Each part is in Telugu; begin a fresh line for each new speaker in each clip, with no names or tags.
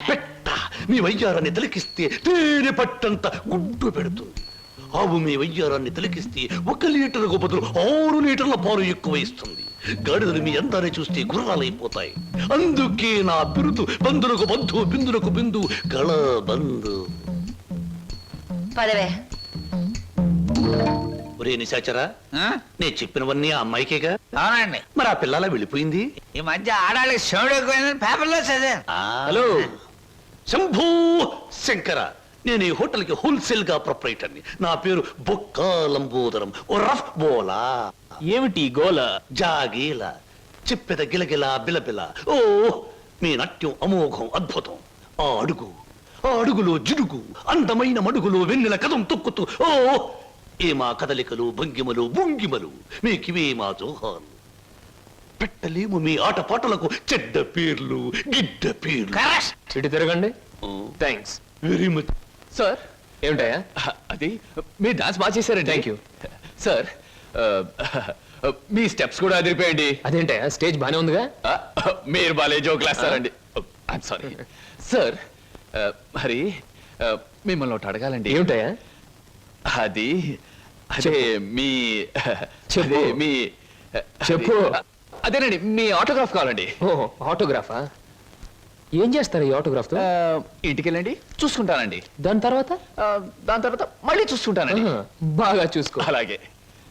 పెట్ట మీ వయ్యారాన్ని తిలకిస్తే తేనె పట్టంత గుడ్డు పెడుతుంది. ఆవు మీ వయ్యారాన్ని తిలకిస్తే 1 లీటర్కు బదులు 6 లీటర్ల పాలు ఎక్కువ ఇస్తుంది. గాడిదలు మీ అందాన్ని చూస్తే గుర్రాలైపోతాయి. అందుకే నా బిరుదు బంధులకు బంధు బిందులకు బిందు గళ బంధు.
పదవే.
ఒరే నిశాచరా, నేను చెప్పినవన్నీ ఆ అమ్మాయికేగా?
అవునండి.
మరి ఆ పిల్లల వెళ్ళిపోయింది.
ఈ మధ్య ఆడాళ్ళకి శివుడు ఎక్కువైందని పేపర్లో చదివాను.
హలో శంభూ శంకర, నేను ఈ హోటల్ కి హోల్సేల్ గా ప్రొపరేటర్ని. నా పేరు బొక్కా లంబోదరం ఓ రఫ్ బోలా.
ఏమిటి గోల?
జాగీల చెప్పెద గిలగిల బిలబిల. ఓ మీ నాట్యం అమోఘం అద్భుతం. ఆ అడుగులో జిడుగు, అందమైన మడుగులో వెన్నెల కథం తొక్కుతూ. ఓ ఏ మా కదలికలు భంగిమలు భుంగిమలు, మీకివే మా జోహాలు. పెట్టలేము మీ ఆటపాటలకు చెడ్డ పేర్లు గిడ్డ పేర్లు.
ఇటు తిరగండి. Thanks
very much
sir. ఏమిటయా అది? మీరు డాన్స్ బాగా చేశారండి. Thank you sir. మీ స్టెప్స్ కూడా అదిరిపోయండి. అదేంటయా స్టేజ్ బానే ఉందిగా? మీరు బాలే జోకులు వేస్తారండి. I'm sorry sir. మరి మిమ్మల్ని ఒకటి అడగాలండి. ఏమిటయా అది? అదే మీ చెప్పు. మీ చెప్పు. అదేనండి, మీ ఆటోగ్రాఫ్ కావాలండి. ఆటోగ్రాఫా? ఏం చేస్తారు ఈ ఆటోగ్రాఫ్ తో? ఇంటికి వెళ్ళండి, చూసుకుంటానండి. దాని తర్వాత మళ్ళీ చూసుకుంటానండి. బాగా చూసుకో. అలాగే.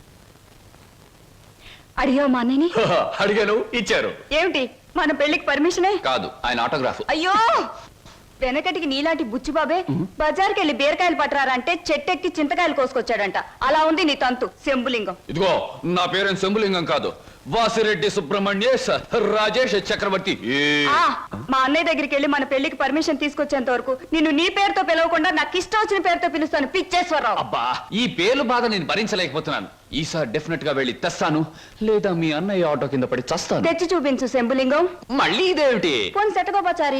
అడిగావు మా అన్నయ్యని?
అడిగాను, ఇచ్చారు.
ఏమిటి మన పెళ్లికి పర్మిషనే?
కాదు, ఆయన ఆటోగ్రాఫ్.
అయ్యో, వెనకటికి నీలాంటి బుచ్చిబాబే బజార్కి వెళ్ళి బీరకాయలు పట్టరారంటే చెట్టెక్కి చింతకాయలు కోసుకొచ్చాడంట. అలా ఉంది నీ తంతు శంభులింగం.
ఇదిగో, నా పేరు శంభులింగం కాదు, వాసిరెడ్డి సుబ్రహ్మణ్యేశ్ రాజేష్ చక్రవర్తి.
మా అన్నయ్య దగ్గరికి వెళ్ళి మన పెళ్లికి పర్మిషన్ తీసుకొచ్చేంత వరకు నిన్ను నీ పేరుతో పిలవకుండా నాకు ఇష్టం వచ్చిన పేరుతో పిలుస్తాను. పిచ్చేశ్వరరావు.
అబ్బా, ఈ పేర్లు బాధ నేను భరించలేకపోతున్నాను. ఈసారి డెఫినెట్ గా వెళ్ళి తెస్తాను, లేదా మీ అన్నయ్య ఆటో కింద పడి చస్తాను.
తెచ్చి చూపించు శంభులింగం.
మళ్ళీ ఇదేమిటి?
పోని సెటగోపచారి.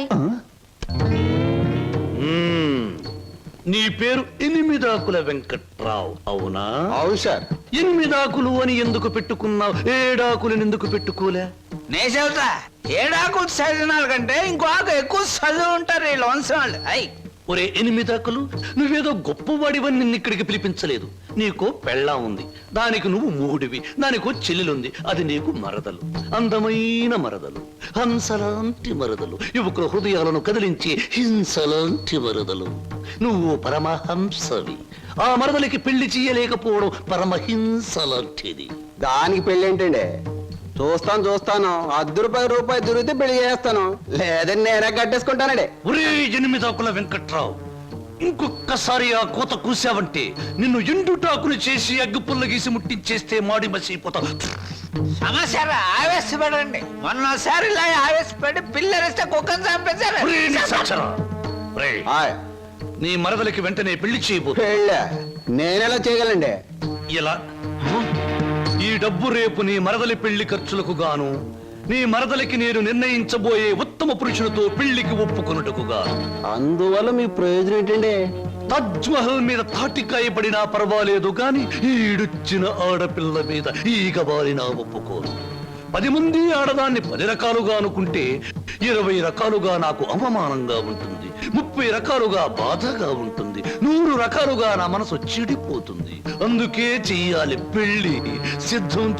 నీ పేరు 8 ఆకుల వెంకట్రావు అవునా?
అవును సార్.
8 ఆకులు అని ఎందుకు పెట్టుకున్నావు? 7 ఆకులను ఎందుకు పెట్టుకోలే?
నే చెబుతా, 7 ఆకులు చదివిన కంటే ఇంకో ఆకు ఎక్కువ చదువు ఉంటారు ఈ లోన్సం వాళ్ళు.
ఒరే 8 ఆకులు, నువ్వేదో గొప్పవాడివని నిన్ను ఇక్కడికి పిలిపించలేదు. నీకో పెళ్ళాం ఉంది, దానికి నువ్వు మూడివి. దానికో చెల్లెలుంది, అది నీకు మరదలు. అందమైన మరదలు, హంసలాంటి మరదలు, యువకుల హృదయాలను కదిలించి హింసలాంటి మరదలు. నువ్వు పరమహంసవి. ఆ మరదలికి పెళ్లి చేయలేకపోవడం పరమహింస లాంటిది.
దానికి పెళ్లి ఏంటండి? చూస్తాను ₹10 దొరికితే పెళ్లి చేస్తాను, లేదని నేనే కట్టేసుకుంటానండి.
ఒరే 8 ఆకుల వెంకట్రావు, ఇంకొక్కసారి ఆ కోత కూసావంటే నిన్ను ఎండుటాకులు చేసి అగ్గు పుల్ల గీసి ముట్టించేస్తే మాడి మసిపోతావు.
సమస్య ఆవేశపడండి. మొన్నసారి ఇలా ఆవేశపడి పిల్లరిస్తే కుక్కను చంపేశారు.
నీ మరదలకి వెంటనే పెళ్లి చేయబో.
పెళ్ళా? నేనెలా చేయగలండి?
ఇలా ఈ డబ్బు రేపు నీ మరదలి పెళ్లి ఖర్చులకు గాను, నీ మరదలికి నేను నిర్ణయించబోయే ఉత్తమ పురుషులతో పెళ్లికి ఒప్పుకొనుటకు గాను.
అందువల్ల మీ ప్రయోజనం ఏంటండి?
తాజ్ మహల్ మీద తాటికాయ పడినా పర్వాలేదు గాని ఈడుచ్చిన ఆడపిల్ల మీద ఈగబారినా ఒప్పుకోను. 10 మంది ఆడదాన్ని 10 రకాలుగా అనుకుంటే 20 రకాలుగా నాకు అవమానంగా ఉంటుంది, 30 రకాలుగా బాధగా ఉంటుంది, 100 రకాలుగా నా మనసు చెడిపోతుంది. అందుకే చెయ్యాలి పెళ్లి. సిద్ధం